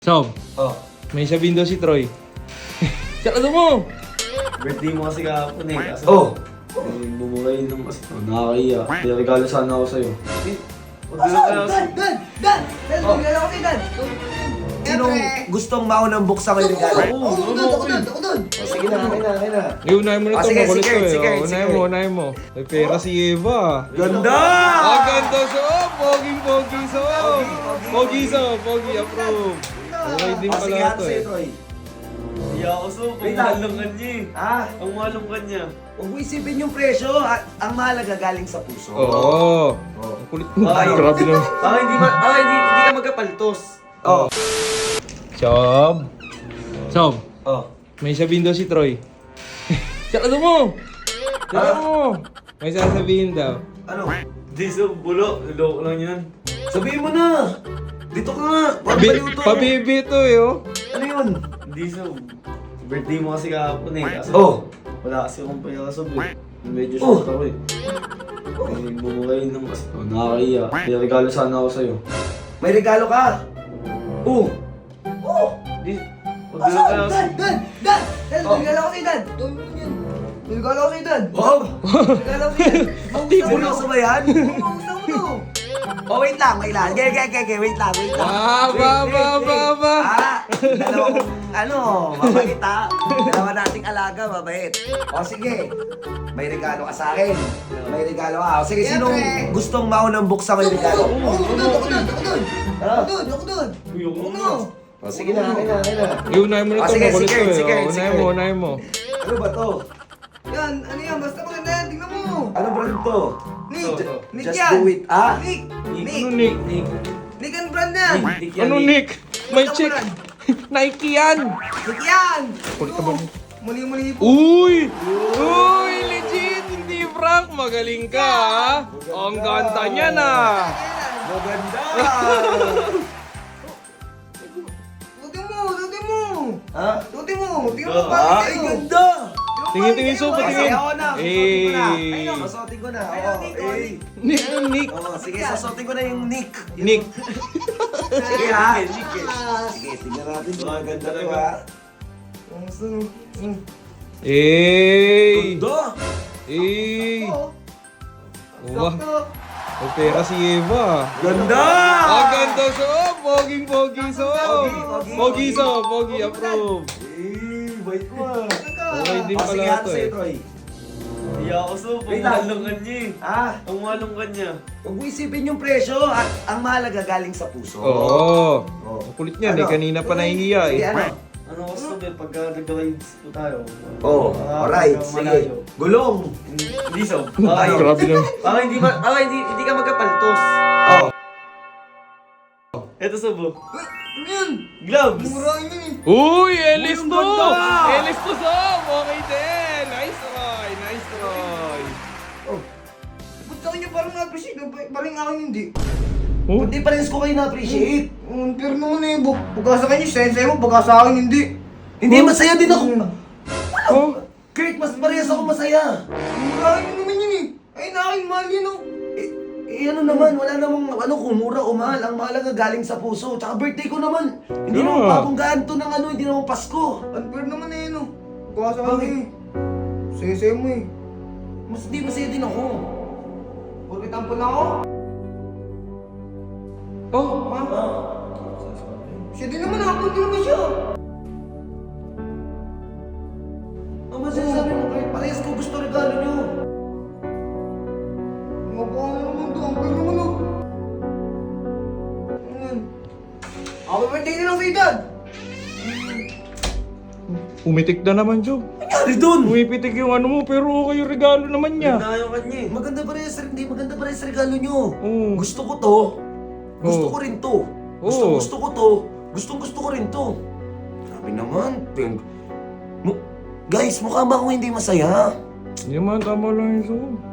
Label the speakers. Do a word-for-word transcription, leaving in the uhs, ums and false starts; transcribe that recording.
Speaker 1: Sob,
Speaker 2: Oh,
Speaker 1: may sabihin daw si Troy. Sarado mo!
Speaker 2: birthday mo kasi kahapon eh. Kaso,
Speaker 3: Oh!
Speaker 2: eh, bumurayin lang kasi. Oh, nakakaiya. May regalo sana ako sa'yo. Eh, wag na kaya
Speaker 3: Dan! Dan! Dan! Dan!
Speaker 2: Oh.
Speaker 3: Bigyan ako kay Dan! Sinong gustong maunang buksan ko yung regalo?
Speaker 2: Oo,
Speaker 3: Ako
Speaker 2: oo,
Speaker 3: doon! Ako
Speaker 2: oo.
Speaker 3: doon! Ako doon!
Speaker 2: Oh, sige na, akin na, akin na.
Speaker 1: Eh, unahin mo na
Speaker 3: Ah,
Speaker 1: ito.
Speaker 3: sige,
Speaker 1: Makulit
Speaker 3: sige,
Speaker 1: to eh.
Speaker 3: sige,
Speaker 1: Oh, unahin
Speaker 3: sige.
Speaker 1: mo, unahin mo. May pera si Eva.
Speaker 2: Ganda!
Speaker 1: Ah, ganda Sob! Poging pogi Sob! Pogi Sob! Pogi approve. Okay din
Speaker 3: Oh,
Speaker 1: pala
Speaker 3: sige,
Speaker 1: ito
Speaker 3: ano sa'yo,
Speaker 1: eh.
Speaker 3: Troy?
Speaker 2: Iya ako so, ang
Speaker 3: Wait
Speaker 2: mahal
Speaker 3: lang.
Speaker 2: ng kanya eh.
Speaker 3: Ah,
Speaker 2: Ang mahal ng kanya.
Speaker 3: huwag mo isipin yung presyo. At ang mahalaga galing sa puso.
Speaker 1: Oo.
Speaker 3: Oh.
Speaker 1: Ang kulit mo.
Speaker 2: Ay,
Speaker 1: Grabe na.
Speaker 2: Baka hindi, ma- baka hindi, hindi ka magkapaltos.
Speaker 3: Oh.
Speaker 1: Sob. Sob,
Speaker 2: Oh.
Speaker 1: may sabihin daw si Troy. Sarado mo! Sarado mo! May sasabihin daw.
Speaker 3: Ano?
Speaker 2: Di so, bulo. Loko lang yan.
Speaker 3: Sabihin mo na! Dito ka nga! Huwag
Speaker 1: Bi-
Speaker 3: baliw to!
Speaker 1: Pabibi to eh oh.
Speaker 3: Ano yun?
Speaker 2: Hindi so, birthday mo kasi kahapon eh. Kaso,
Speaker 3: Oh!
Speaker 2: wala kasi akong pera sa eh. Medyo
Speaker 3: Oh.
Speaker 2: short ako eh. Eh, bumurayin lang kasi. Oh, nakakaiya. May regalo sana ako sa'yo.
Speaker 3: May regalo ka! Oh! Oh!
Speaker 2: Di, wag na
Speaker 3: Asan?
Speaker 2: kaya
Speaker 3: Dan! Dan! Dan! Dan!
Speaker 2: Oh.
Speaker 3: May regalo ko kay Dan! Tuloy mo yan! May regalo ko kay Dan!
Speaker 2: Wow!
Speaker 3: May regalo ko kay Dan! Magusta mo
Speaker 2: Seryoso
Speaker 3: to!
Speaker 2: ba yan?
Speaker 3: Oo, magusta mo to! Oh, wait lang, wait lang. Okay, okay, okay, wait lang, wait lang.
Speaker 1: Ah,
Speaker 3: Wait,
Speaker 1: ba,
Speaker 3: wait,
Speaker 1: ba,
Speaker 3: wait.
Speaker 1: ba, ba.
Speaker 3: Ah, dalawang, ano, mabait ha. Dalawa nating alaga, mabait. O sige, may regalo ka sa akin. May regalo ka. O sige, sinong gustong maunang buksan ko yung regalo?
Speaker 2: Oo,
Speaker 3: Ako
Speaker 2: oo,
Speaker 3: doon, ako
Speaker 2: oo.
Speaker 3: doon, ako doon.
Speaker 2: Ha?
Speaker 3: Ako doon, ako doon.
Speaker 2: Uy, ako
Speaker 3: Ako
Speaker 2: na.
Speaker 3: doon.
Speaker 2: Oh, sige na, akin na, akin na.
Speaker 1: Eh, unahin mo na
Speaker 3: Ah,
Speaker 1: ito.
Speaker 3: sige,
Speaker 1: Makulit
Speaker 3: sige,
Speaker 1: to eh.
Speaker 3: sige,
Speaker 1: Oh, unahin
Speaker 3: sige.
Speaker 1: mo, unahin mo.
Speaker 3: Ano ba to?
Speaker 4: Yan, ano yan? Basta maganda yan, tingnan mo.
Speaker 3: Ano brand to?
Speaker 4: Nick,
Speaker 2: Ito, ito.
Speaker 4: Nick
Speaker 3: Just
Speaker 4: yan.
Speaker 3: do it, ah?
Speaker 4: Nick, Nick,
Speaker 1: Ano Nick?
Speaker 2: Nick.
Speaker 4: Nick ang brand yan.
Speaker 2: Nick yan,
Speaker 1: Ano Nick? May check. Nike yan.
Speaker 4: Nick yan.
Speaker 1: Kulit ka ba?
Speaker 4: Muli-muli po.
Speaker 1: Uy! Uy! Legit! Hindi prank! Magaling ka ha? Ang ganda niya na!
Speaker 3: Maganda!
Speaker 4: Tutin mo, tutin mo.
Speaker 3: Ha?
Speaker 4: Tutin mo, tingnan mo
Speaker 2: Ah,
Speaker 4: pa.
Speaker 3: Ay, ganda!
Speaker 1: Tingin, tingin, Sob,
Speaker 3: Sige,
Speaker 1: tingin.
Speaker 3: ako na. Susuotin ko na.
Speaker 1: Eh.
Speaker 3: Ayun, susuotin ko na.
Speaker 4: Ayun,
Speaker 3: Oo,
Speaker 4: Nick,
Speaker 3: eh.
Speaker 4: oh, Nick.
Speaker 1: Nick, ano Nick?
Speaker 3: Oo, sige, susuotin ko na yung Nick.
Speaker 1: Nick.
Speaker 3: Sige ha.
Speaker 2: Nick eh.
Speaker 3: Sige, tingnan natin kung
Speaker 2: Ah,
Speaker 3: ang ganda
Speaker 2: ganda
Speaker 3: to
Speaker 2: talaga.
Speaker 3: ha.
Speaker 4: Ang gusto mo. Mm.
Speaker 1: Eh!
Speaker 3: Ganda!
Speaker 1: Eh!
Speaker 4: Oo.
Speaker 1: Wah!
Speaker 4: Sakto.
Speaker 1: May pera si Eva.
Speaker 3: Ganda!
Speaker 1: Ang ganda Sob! Poging pogi Sob!
Speaker 3: Pogi, pogi,
Speaker 1: Pogi
Speaker 3: pogi.
Speaker 1: Sob! Pogi approve.
Speaker 3: Eh, bait mo ah.
Speaker 1: Okay din
Speaker 3: O, sige,
Speaker 1: pala
Speaker 3: ano
Speaker 1: ito
Speaker 3: sa'yo,
Speaker 1: eh.
Speaker 3: Troy?
Speaker 2: Iya ako so, ang
Speaker 3: Wait
Speaker 2: mahal
Speaker 3: lang.
Speaker 2: ng kanya eh.
Speaker 3: Ah,
Speaker 2: Ang mahal ng kanya.
Speaker 3: huwag mo isipin yung presyo. At ang mahalaga galing sa puso.
Speaker 1: Oo.
Speaker 3: Oh.
Speaker 1: Ang kulit niyan eh.
Speaker 3: Ano?
Speaker 1: Kanina pa nahihiya
Speaker 3: Sige,
Speaker 1: eh.
Speaker 3: ano?
Speaker 2: Ano ko so, eh, pagka nag-rides po tayo.
Speaker 3: Oh,
Speaker 2: ah,
Speaker 3: alright.
Speaker 2: pagka
Speaker 3: Sige.
Speaker 2: malayo.
Speaker 3: Gulong.
Speaker 2: Hindi so. Baka,
Speaker 3: Ay,
Speaker 1: Grabe lang.
Speaker 2: baka hindi, ma- baka hindi, hindi ka magkapaltos.
Speaker 3: Oh.
Speaker 2: Eto so, bo.
Speaker 4: Uy, ano yan?
Speaker 2: Gloves!
Speaker 4: Mura yun eh.
Speaker 1: Uy! Elis
Speaker 3: Uy, ang
Speaker 1: to!
Speaker 3: ganda!
Speaker 1: Elis to Sob! Okay din! Nice try! Nice try!
Speaker 4: Ba't sa kanya parang na-appreciate? Parang akin hindi.
Speaker 1: Oh?
Speaker 3: Hindi pa rin ko kayo na-appreciate.
Speaker 4: Um, pero naman eh, bu- pagka sa kanya, sensei mo, pagka sa akin hindi.
Speaker 3: Hindi, masaya din ako.
Speaker 1: Oh?
Speaker 3: Kurt, mas parehas ako masaya.
Speaker 4: Mura yun naman yun eh. Ay, na akin, mahal yun oh.
Speaker 3: Eh, eh, ano naman, wala namang ano kung mura o mahal. Ang mahalaga galing sa puso. Tsaka birthday ko naman. Hindi
Speaker 1: Yeah.
Speaker 3: naman pabonggaan to ng ano, hindi naman Pasko.
Speaker 4: Unfair naman eh, no. Pagka sa akin eh. Sensei mo eh.
Speaker 3: Mas di masaya din ako.
Speaker 4: Puro tampo na ako.
Speaker 1: Oh?
Speaker 4: Ha? Siya din naman ako, hindi naman siya.
Speaker 3: Ang masasabi mo, Kurt, parehas ko gusto regalo nyo.
Speaker 4: Mabaka na naman to, ang pwede naman oh. Ayan. Happy birthday na lang kay Dad!
Speaker 1: Umitik na naman Job.
Speaker 3: Nangyari dun?
Speaker 1: Umipitik yung ano mo pero okay yung regalo naman niya.
Speaker 2: Ganda yung kanya eh.
Speaker 3: Maganda parehas, hindi maganda parehas regalo nyo.
Speaker 1: Oo.
Speaker 3: Gusto ko to. Gusto
Speaker 1: Oo.
Speaker 3: ko rin to. Gusto,
Speaker 1: Oo.
Speaker 3: gusto ko to. Gustong gusto ko rin to. Sabi naman, ping... Mu- Guys, mukha ba ako hindi masaya?
Speaker 1: Hindi naman, tama lang yung Sob.